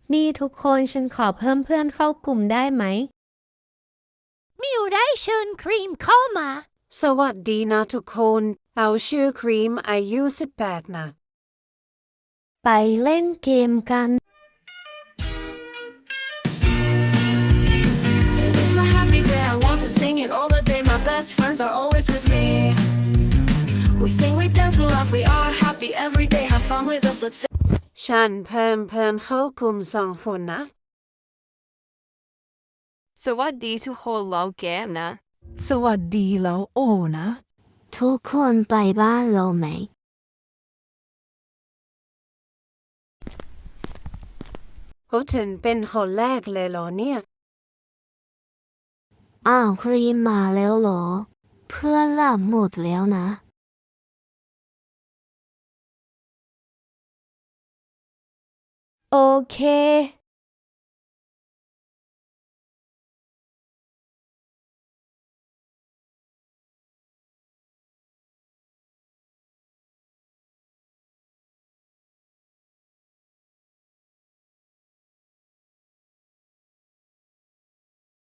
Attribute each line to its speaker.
Speaker 1: นี่ทุกคนฉันขอเพิ่มเพื่อนเข้ากลุ่มได้ไหม
Speaker 2: มิวได้เชิญครีมเข้ามา
Speaker 3: สวัสดีนะทุกคนเอาชื่อครีมอายุ18นะ
Speaker 1: ไปเล่นเกมกัน
Speaker 4: It's my happy day, I want to sing it all the day. My best friends are always with me. We sing, we dance, we laugh, we are happy every day. Have fun with us, let's sing.
Speaker 3: ฉันเพิ่มเพื่อนเข้ากลุ่ม2 คนนะ
Speaker 5: สวัสดีทุกคนเราแกมนะ
Speaker 6: สวัสดีแล้วโอนะ
Speaker 2: ทุกคนไปบ้านเราไหม
Speaker 3: โอ้ถึงเป็นคนแรกเลยเหรอเนี่ย
Speaker 2: อ้าวครีมมาแล้วเหรอเพื่อนหลับหมดแล้วนะ
Speaker 1: โอเค